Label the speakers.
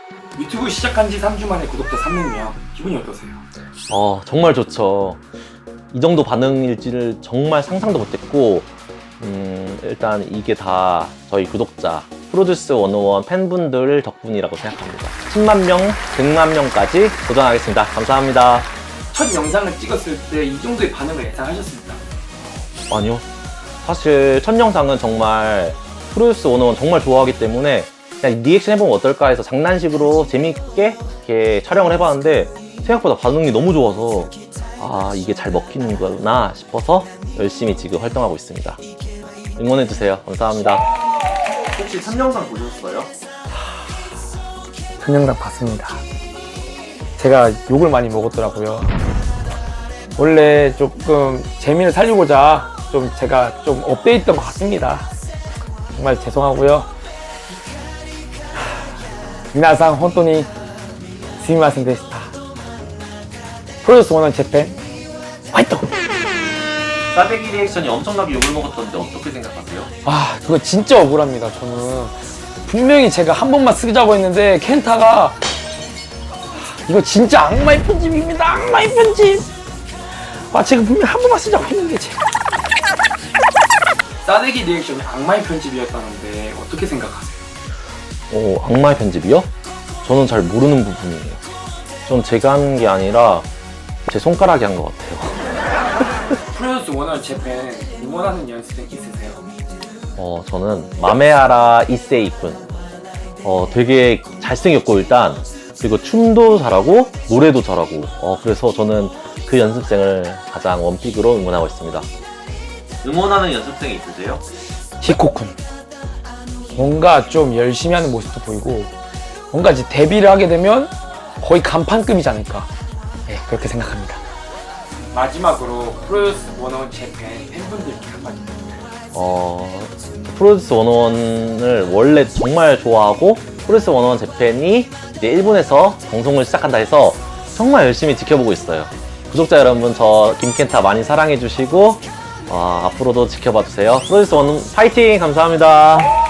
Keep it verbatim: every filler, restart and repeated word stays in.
Speaker 1: 유튜브 시작한 지 삼 주 만에 구독자 삼백 명, 기분이 어떠세요?
Speaker 2: 어, 정말 좋죠. 이 정도 반응일지를 정말 상상도 못했고, 음, 일단 이게 다 저희 구독자, 프로듀스 백일 팬분들 덕분이라고 생각합니다. 십만 명, 백만 명까지 도전하겠습니다. 감사합니다.
Speaker 1: 첫 영상을 찍었을 때 이 정도의 반응을 예상하셨습니까?
Speaker 2: 아니요. 사실 첫 영상은 정말 프로듀스 백일 정말 좋아하기 때문에 그냥 리액션 해보면 어떨까 해서 장난식으로 재밌게 이렇게 촬영을 해봤는데 생각보다 반응이 너무 좋아서 아, 이게 잘 먹히는구나 싶어서 열심히 지금 활동하고 있습니다. 응원해주세요. 감사합니다.
Speaker 3: 혹시 첫 영상 보셨어요?
Speaker 4: 첫 영상 봤습니다. 제가 욕을 많이 먹었더라고요. 원래 조금 재미를 살리고자 좀 제가 좀 업데이트한 것 같습니다. 정말 죄송하고요. 미나상 혼돈이 스미마센 데시타. 프로듀스 백일 재팬 화이팅!
Speaker 2: 싸대기 리액션이 엄청나게 욕을 먹었던데 어떻게 생각하세요?
Speaker 4: 아, 그거 진짜 억울합니다. 저는 분명히 제가 한 번만 쓰자고 했는데 켄타가 이거 진짜 악마의 편집입니다. 악마의 편집. 아, 제가 분명히 한 번만 쓰자고 했는데 제가.
Speaker 1: 싸대기 리액션이 악마의 편집이었다는데 어떻게 생각하세요?
Speaker 2: 어, 악마의 편집이요? 저는 잘 모르는 부분이에요. 전 제가 한 게 아니라 제 손가락이 한 것 같아요.
Speaker 1: 프로듀스 백일 재팬 응원하는 연습생 있으세요?
Speaker 2: 어, 저는 마메아라 이세이군. 어, 되게 잘생겼고 일단 그리고 춤도 잘하고 노래도 잘하고 어, 그래서 저는 그 연습생을 가장 원픽으로 응원하고 있습니다. 응원하는 연습생이 있으세요?
Speaker 4: 히코쿤. 뭔가 좀 열심히 하는 모습도 보이고 뭔가 이제 데뷔를 하게 되면 거의 간판급이지 않을까. 네, 그렇게 생각합니다.
Speaker 1: 마지막으로 프로듀스 백일 재팬 팬분들께 한마디 부탁드려요.
Speaker 2: 어, 프로듀스 백일을 원래 정말 좋아하고 프로듀스 백일 재팬이 이제 일본에서 방송을 시작한다 해서 정말 열심히 지켜보고 있어요. 구독자 여러분, 저 김켄타 많이 사랑해주시고 어, 앞으로도 지켜봐주세요. 프로듀스 백일 파이팅! 감사합니다.